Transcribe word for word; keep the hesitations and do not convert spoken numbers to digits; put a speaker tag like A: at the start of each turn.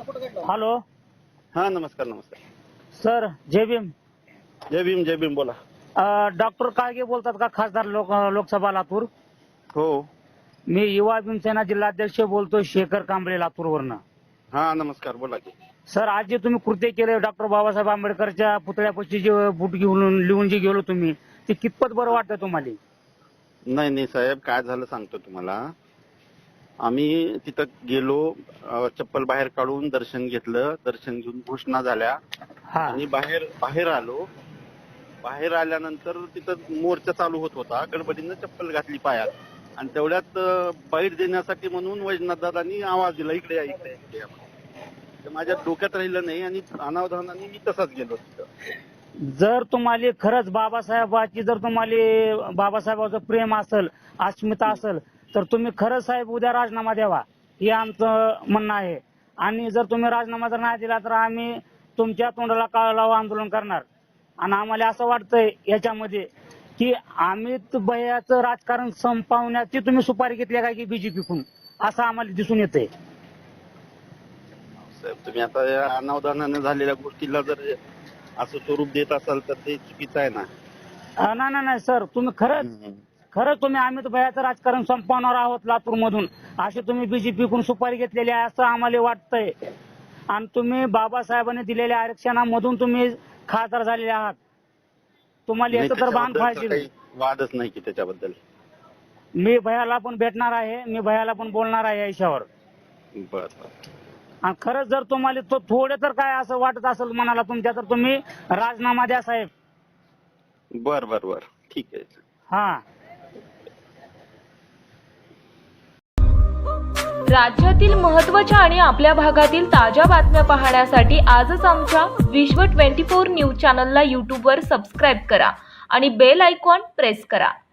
A: Hello
B: हा नमस्कार नमस्कार.
A: सर, जय भीम.
B: जय भीम जय भीम बोला.
A: डॉक्टर काळगे बोलतात का, खासदार लोक लोकसभा लातूर?
B: हो.
A: मी युवा भीमसेना जिल्हाध्यक्ष बोलतोय, शेखर कांबळे, लातूरवरनं.
B: हा नमस्कार बोला की.
A: सर, आज जे तुम्ही कृत्य केले डॉक्टर बाबासाहेब आंबेडकरच्या पुतळ्यापाशी जे बूट घेऊन लिहून जे गेलो तुम्ही, ते कितपत बरं वाटतं तुम्हाला?
B: नाही नाही साहेब, काय झालं सांगतो तुम्हाला. आम्ही तिथं गेलो, अ, चप्पल बाहेर काढून दर्शन घेतलं, दर्शन घेऊन घोषणा झाल्या
A: हा
B: आणि बाहेर बाहेर आलो. बाहेर आल्यानंतर तिथं मोर्चा चालू होत होता, गडबडीनं चप्पल घातली पायात आणि तेवढ्यात अ, बाईट देण्यासाठी म्हणून वैजनाथदादांनी आवाज दिला, इकडे या इकडे या, इकडे या म्हणून. ते माझ्या डोक्यात राहिलं नाही आणि अनावधानाने मी तसाच गेलो तिथं.
A: जर तुम्हाला खरंच बाबासाहेबाची जर तुम्हाला बाबासाहेबाचं प्रेम असेल, अस्मिता असेल, तर तुम्ही खरंच साहेब उद्या राजीनामा द्यावा, हे आमचं म्हणणं आहे. आणि जर तुम्ही राजीनामा जर नाही दिला तर आम्ही तुमच्या तोंडाला काळं लावून आंदोलन करणार. आणि आम्हाला असं वाटतंय याच्यामध्ये की अमित भैयाचं राजकारण संपवण्याची तुम्ही सुपारी घेतली काय की बीजेपीकडून, असं आम्हाला दिसून येतंय.
B: साहेब तुम्ही आता या अनावधानाने झालेल्या गोष्टीला जर असं स्वरूप देत असाल तर ते चुकीचं आहे ना.
A: अं, नाही नाही नाही सर, तुम्ही खरंच खरंच तुम्ही अमित भैयाचं राजकारण संपवणार आहोत लातूर मधून, अशी तुम्ही बीजेपीकडून सुपारी घेतलेली आहे असं आम्हाला वाटतंय. आणि तुम्ही बाबासाहेबांनी दिलेल्या आरक्षणामधून तुम्ही खासदार झालेले आहात. तुम्हाला
B: नाही,
A: याचं तर भान
B: त्याच्याबद्दल
A: पाहिजे.
B: काही वादच नाही की त्याच्याबद्दल.
A: मी भैयाला पण भेटणार आहे, मी भैयाला पण बोलणार आहे या विषयावर.
B: बर बर.
A: आणि खरंच जर तुम्हाला तो थोडे तर काय असं वाटत असेल मनाला तुमच्या, तर तुम्ही राजीनामा द्या साहेब.
B: बर बर बर ठीक आहे.
A: हा.
C: राज्यातील महत्त्वाच्या आणि आपल्या भागातील ताज्या बातम्या पाहण्यासाठी आजच आमच्या विश्व चोवीस न्यूज चॅनलला यूट्यूबवर सबस्क्राईब करा आणि बेल आयकॉन प्रेस करा.